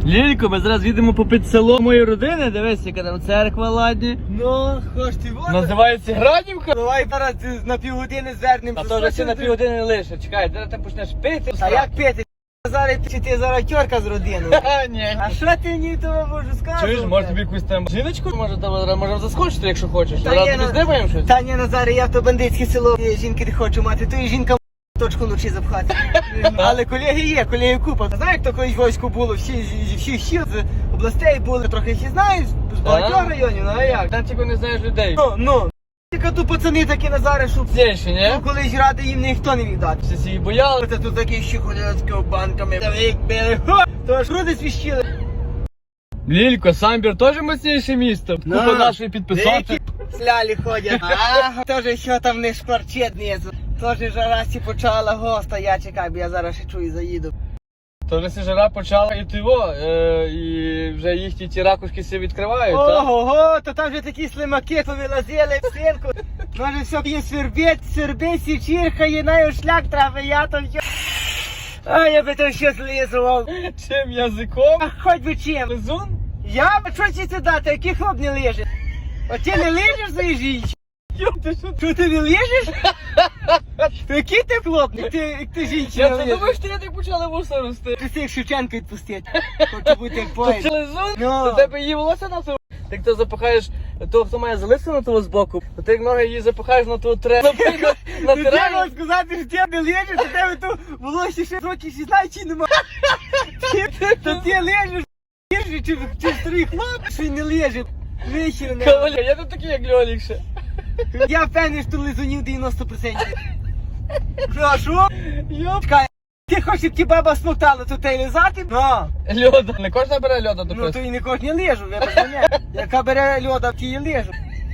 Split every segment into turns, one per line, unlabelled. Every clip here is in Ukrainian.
Лілько, ми зараз їдемо попід село моєї родини, дивись, яка там церква ладні.
Ну, хоч ти воду.
Називається Градівка.
Давай зараз на півгодини звернемо.
А то вже ще на півгодини лише. Чекай, зараз ти почнеш пити.
А як пити? Зараз чи ти зараз тьорка з родиною?
А, ні.
А що ти мені того можу сказати?
Чуєш, може тобі якусь там жіночку? Можемо заскочити, якщо хочеш.
Та
Зараз
ні,
тобі
ну-
здибаємо щось.
Та ні, Назаре, я в то бандитське село жінки не хочу мати, то і жінка точку вночі запхати. Але колеги є, колеги купа. Знаєш, як то колись війську було, всі з областей були, трохи всі знають, з багатьох районів, ну а як?
Та тільки не знаєш людей.
Ну. Тільки тут пацани такі, Назаре, що
Сєші, ні?
ну, колись ради їм ніхто не міг дати.
Всі її бояли.
Та тут такі ще ходять з ковбанками, як били, то ж груди свіщили.
Лілько, Самбір теж мощніше місто. Купа нашої підписати.
Деякі слялі ходять. А, теж що там не шкварчить знизу. Теж жара сі почала, госта, я чекаю, бо я зараз ще чую, заїду.
То вже жара почала і тиво, і вже їхні ті ракушки всі відкривають, так?
Ого, то там вже такі слимаки повилазили в стінку. Може все їм свербить, січірхає, наю шлях трапи, я там що. А я би там ще злизував.
Чим язиком?
А хоч би чим.
Лизун?
Я би що ці дати, який хлоп не лежить? От ти не лежиш за жінці?
Йоп, ти що?
Що ти не лежиш? То який ти хлоп? Як ти жінці
Я
не
це
лежиш?
думаю, що я так почала вуса рости.
Ти всіх Шевченка відпустити. Хочу бути як
То
поїзд.
це лизун?
Ну.
До тебе її волосся на то? Ти хто запахаєш того, хто має залисину того збоку, то ти як ноги її запахаєш на того трену,
Ти
натираєш.
треба сказати, що ти не лежиш, то тебе то волосся ще років 16 чи нема. То ти лежиш, чи старий хлоп, що й не лежить. Вихір не.
Каваля, я не такий, як Льолік ще.
Я впевнений, що лизунів 90%. Що?
Йоп.
Чекай, ти хочеш, щоб ті баба смоктала, то ти лизати? Ну.
Льода. Не кожна бере льода до
Ну то
пису.
і не кожен лежу, вибач мене. Яка бере льода, в тій лежу.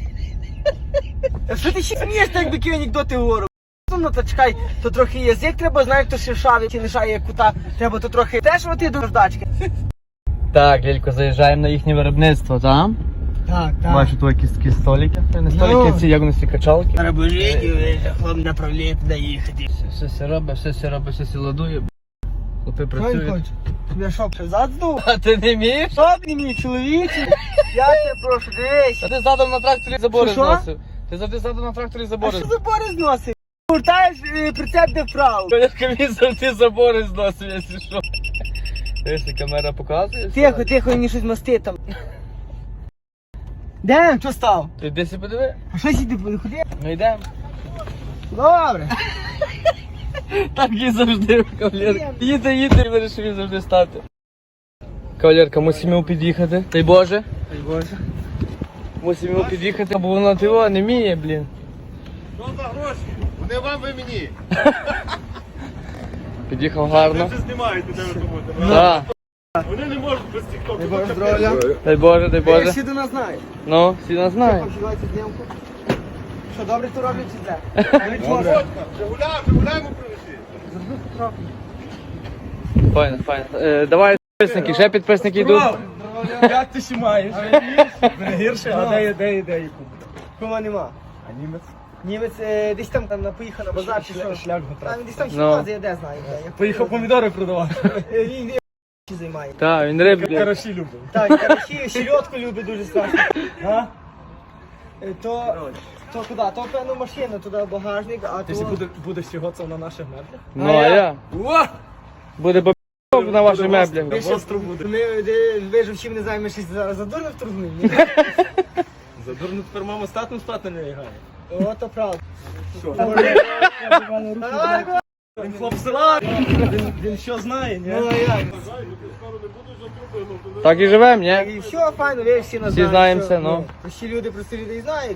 Що ти ще смієш, так би анекдоти говорю? Ну то чекай, то трохи язик треба, знаєш, то шершавий, чи лишає як кута. Треба то трохи теж оти до ждачки.
Так, Лілько, заїжджаємо на їхнє виробництво, так?
Так,
Бачу, тут якісь такі столики. Не столики, ці як вони ці качалки.
Рабожиді, хлоп направляє туди їхати.
Все робить, все ладує. Хлопи працюють.
Я що, зад здув?
А ти не вмієш?
Що ти мій чоловіче? Я тебе прошу, дивись.
А ти задом на тракторі забори
Що?
зносив. Ти завжди задом на тракторі
А
забори
що забори зносив? Гуртаєш прицеп де вправо.
Колядка він завжди забори зносив, якщо що. Якщо камера показує.
Тихо, тихо, мені щось мости там. Де? Що став?
Ти йди сі подиви.
А що сіди ходи?
Ну йдемо.
Добре.
Так і завжди, кавалерка. Їде і вирішив він завжди стати. Кавалерка, мусимо під'їхати. Дай Боже.
Дай Боже.
Мусимо під'їхати, бо вона тиво не вміє, блін.
Що за гроші? Вони вам, ви мені.
Під'їхав
Ви
гарно.
вже знімаєте, де ви думаєте.
Так.
Вони не можуть без тіктоку.
Дай Боже здоров'я.
Дай Боже, дай
Я
Боже.
ще до нас знаю.
Ну, всі нас знають.
Обсідайте знімку. Що, добре то роблять чи зле?
Добре. Жигуляємо принесли.
Зроби трохи.
Файно, файно. Давай підписники, ще підписники йдуть.
Як ти ще маєш? Гірше? А де є? Кого нема?
А німець?
Німець десь там поїхав на базар чи що?
Шлях
Там десь там ще
Ну.
лазить, я де знаю. де.
Поїхав помідори продавати.
Він займає.
Так, він риб.
Караші любив.
Так, караші, щерьотку любить дуже страшно.
А?
То куди? То певну машину, туди багажник, а
Ти
то...
будеш сьогодні на наших меблях?
Ну, а я. Буде бабок на ваших меблях.
Ви що,
Остро буде.
ви ж чим не знаємо, ми щось зараз задурно вторгнули.
Задурно тепер мама статом спати не лягає.
О, то правда.
Що?
Давай,
Він хлоп села. Він що знає, ні?
ну а як?
Так і живемо, ні?
І все, файно, ви всі нас
Всі знаємося, ну.
Всі люди, просто людей знають.